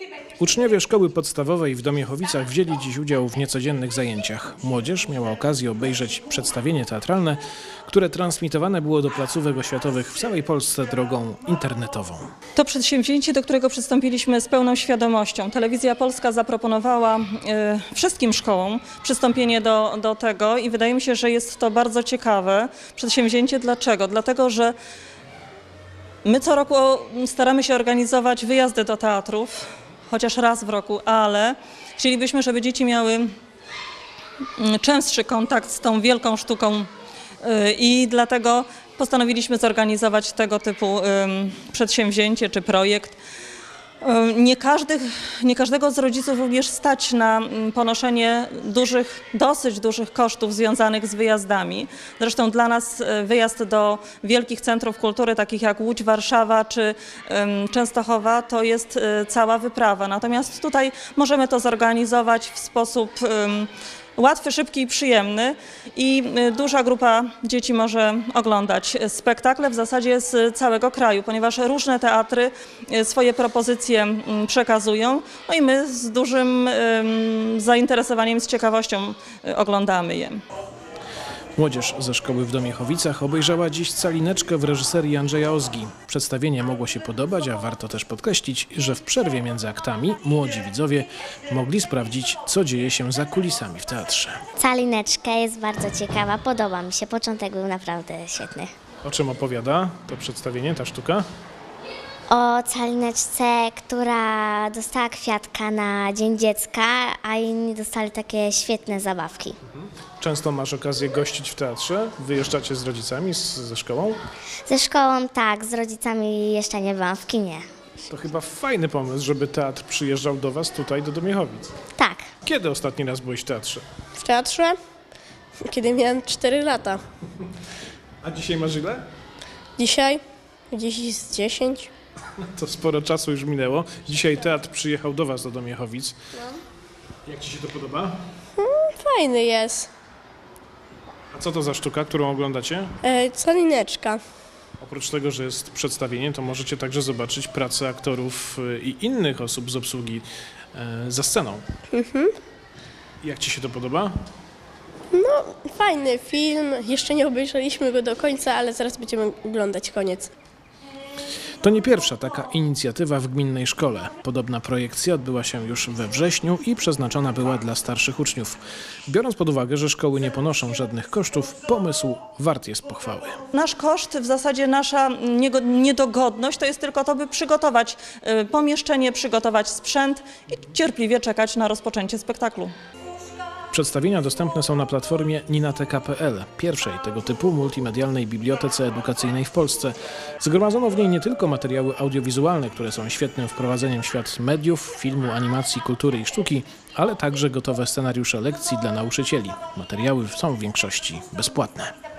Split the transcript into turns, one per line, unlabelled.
Uczniowie szkoły podstawowej w Domiechowicach wzięli dziś udział w niecodziennych zajęciach. Młodzież miała okazję obejrzeć przedstawienie teatralne, które transmitowane było do placówek oświatowych w całej Polsce drogą internetową.
To przedsięwzięcie, do którego przystąpiliśmy z pełną świadomością. Telewizja Polska zaproponowała wszystkim szkołom przystąpienie do tego i wydaje mi się, że jest to bardzo ciekawe przedsięwzięcie. Dlaczego? Dlatego, że my co roku staramy się organizować wyjazdy do teatrów, chociaż raz w roku, ale chcielibyśmy, żeby dzieci miały częstszy kontakt z tą wielką sztuką i dlatego postanowiliśmy zorganizować tego typu przedsięwzięcie czy projekt. Nie każdego z rodziców również stać na ponoszenie dosyć dużych kosztów związanych z wyjazdami. Zresztą dla nas wyjazd do wielkich centrów kultury, takich jak Łódź, Warszawa czy Częstochowa, to jest cała wyprawa. Natomiast tutaj możemy to zorganizować w sposób łatwy, szybki i przyjemny i duża grupa dzieci może oglądać spektakle w zasadzie z całego kraju, ponieważ różne teatry swoje propozycje przekazują, no i my z dużym zainteresowaniem, z ciekawością oglądamy je.
Młodzież ze szkoły w Domiechowicach obejrzała dziś Calineczkę w reżyserii Andrzeja Ozgi. Przedstawienie mogło się podobać, a warto też podkreślić, że w przerwie między aktami młodzi widzowie mogli sprawdzić, co dzieje się za kulisami w teatrze.
Calineczka jest bardzo ciekawa, podoba mi się. Początek był naprawdę świetny.
O czym opowiada to przedstawienie, ta sztuka?
O Calineczce, która dostała kwiatka na Dzień Dziecka, a inni dostali takie świetne zabawki.
Często masz okazję gościć w teatrze? Wyjeżdżacie z rodzicami, ze szkołą?
Ze szkołą tak, z rodzicami jeszcze nie byłam w kinie.
To chyba fajny pomysł, żeby teatr przyjeżdżał do was tutaj, do Domiechowic.
Tak.
Kiedy ostatni raz byłeś w teatrze?
W teatrze? Kiedy miałem 4 lata.
A dzisiaj masz ile?
Dzisiaj? Gdzieś z 10.
To sporo czasu już minęło. Dzisiaj teatr przyjechał do was, do Domiechowic. Jak ci się to podoba?
Fajny jest.
A co to za sztuka, którą oglądacie?
Calineczka.
Oprócz tego, że jest przedstawienie, to możecie także zobaczyć pracę aktorów i innych osób z obsługi za sceną. Jak ci się to podoba?
Fajny film. Jeszcze nie obejrzeliśmy go do końca, ale zaraz będziemy oglądać koniec.
To nie pierwsza taka inicjatywa w gminnej szkole. Podobna projekcja odbyła się już we wrześniu i przeznaczona była dla starszych uczniów. Biorąc pod uwagę, że szkoły nie ponoszą żadnych kosztów, pomysł wart jest pochwały.
Nasz koszt, w zasadzie nasza niedogodność to jest tylko to, by przygotować pomieszczenie, przygotować sprzęt i cierpliwie czekać na rozpoczęcie spektaklu.
Przedstawienia dostępne są na platformie ninateka.pl, pierwszej tego typu multimedialnej bibliotece edukacyjnej w Polsce. Zgromadzono w niej nie tylko materiały audiowizualne, które są świetnym wprowadzeniem w świat mediów, filmu, animacji, kultury i sztuki, ale także gotowe scenariusze lekcji dla nauczycieli. Materiały są w większości bezpłatne.